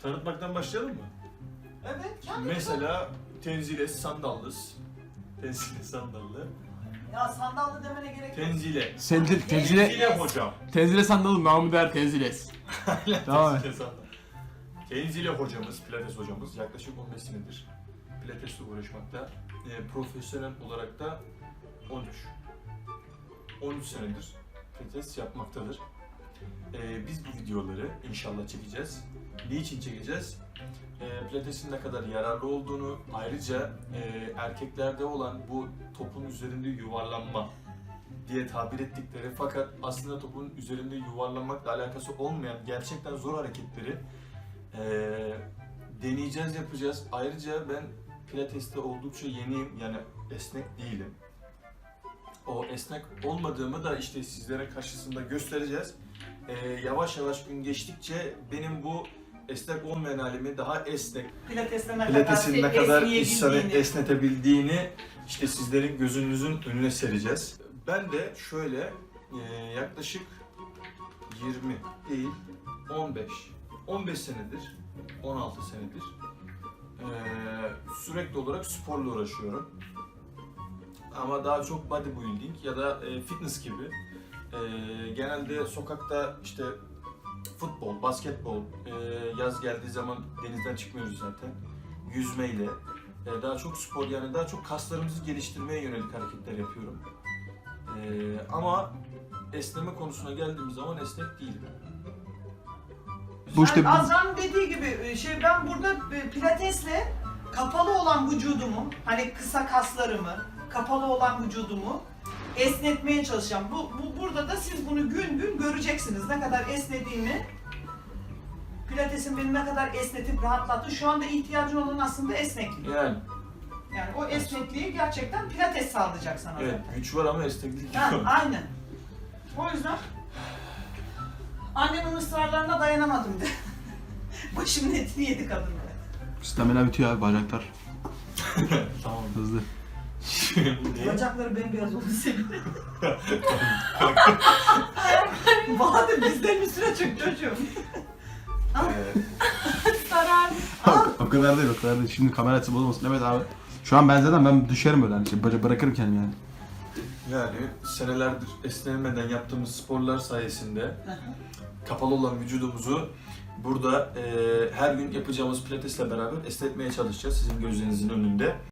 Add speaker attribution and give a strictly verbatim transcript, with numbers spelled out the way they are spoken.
Speaker 1: Tanıtmaktan başlayalım mı?
Speaker 2: Evet. Yani
Speaker 1: Mesela Tenzile Sandallız. Tenzile Sandallı.
Speaker 2: Ya sandallı demene gerek yok.
Speaker 1: Tenzile.
Speaker 3: Tenzile, tenzile,
Speaker 1: Tenzile hocam.
Speaker 3: tenzile sandalım, namı değer tenziles. Tamam.
Speaker 1: Tenzile Sandal. Tenzile hocamız, Pilates hocamız yaklaşık on beş senedir Pilates'le uğraşmakta. E, profesyonel olarak da on üç. on üç senedir Pilates yapmaktadır. E, biz bu videoları inşallah çekeceğiz. Niçin çekeceğiz? E, Pilates'in ne kadar yararlı olduğunu, ayrıca e, erkeklerde olan bu topun üzerinde yuvarlanma diye tabir ettikleri fakat aslında topun üzerinde yuvarlanmakla alakası olmayan gerçekten zor hareketleri e, deneyeceğiz, yapacağız. Ayrıca ben Pilates'te oldukça yeniyim, yani esnek değilim. O esnek olmadığımı da işte sizlere karşısında göstereceğiz. E, yavaş yavaş gün geçtikçe benim bu esnek olmayan halimi daha esnek,
Speaker 2: Pilates'te ne
Speaker 1: Pilates'in ne
Speaker 2: kadar
Speaker 1: kadar
Speaker 2: esneyebildiğini.
Speaker 1: insanı esnetebildiğini işte sizlerin gözünüzün önüne sereceğiz. Ben de şöyle e, yaklaşık yirmi değil on beş on beş senedir, on altı senedir e, sürekli olarak sporla uğraşıyorum. Ama daha çok bodybuilding ya da e, fitness gibi. E, genelde sokakta işte futbol, basketbol, e, yaz geldiği zaman denizden çıkmıyoruz zaten. Yüzmeyle, e, daha çok spor, yani daha çok kaslarımızı geliştirmeye yönelik hareketler yapıyorum. E, ama esneme konusuna geldiğimiz zaman esnek değilim.
Speaker 3: Bu işte
Speaker 2: Yani Azra'nın dediği gibi şey, ben burada e, pilatesle kapalı olan vücudumu, hani kısa kaslarımı, kapalı olan vücudumu esnetmeye çalışacağım. Bu, bu burada da siz bunu gün gün göreceksiniz. Ne kadar esnediğimi, pilatesin beni ne kadar esnetip rahatlattı. Şu anda ihtiyacın olan aslında esneklik.
Speaker 1: Yani
Speaker 2: Yani o esnekliği gerçekten pilates sağlayacak sana
Speaker 1: evet,
Speaker 2: zaten.
Speaker 1: güç var ama esneklik
Speaker 2: Ha,
Speaker 1: yok.
Speaker 2: aynen. O yüzden annemin ısrarlarına dayanamadım de. Başımın etini yedi kadın be.
Speaker 3: stamina bitiyor abi, bacaklar
Speaker 1: Tamam.
Speaker 3: hızlı.
Speaker 1: Şimdi
Speaker 2: Bacakları bembeyaz oldu senin. Bahadır bizden üstüne çık çocuğum.
Speaker 1: e,
Speaker 2: Sarar.
Speaker 3: o kadar değil, o kadar değil. Şimdi kamera açısı bozulmasın. Evet abi. Şu an ben zaten ben düşerim böyle hani şey, bıra- bırakırım kendimi yani.
Speaker 1: yani senelerdir esnemeden yaptığımız sporlar sayesinde kapalı olan vücudumuzu burada e, her gün yapacağımız pilatesle beraber esnetmeye çalışacağız sizin gözlerinizin önünde.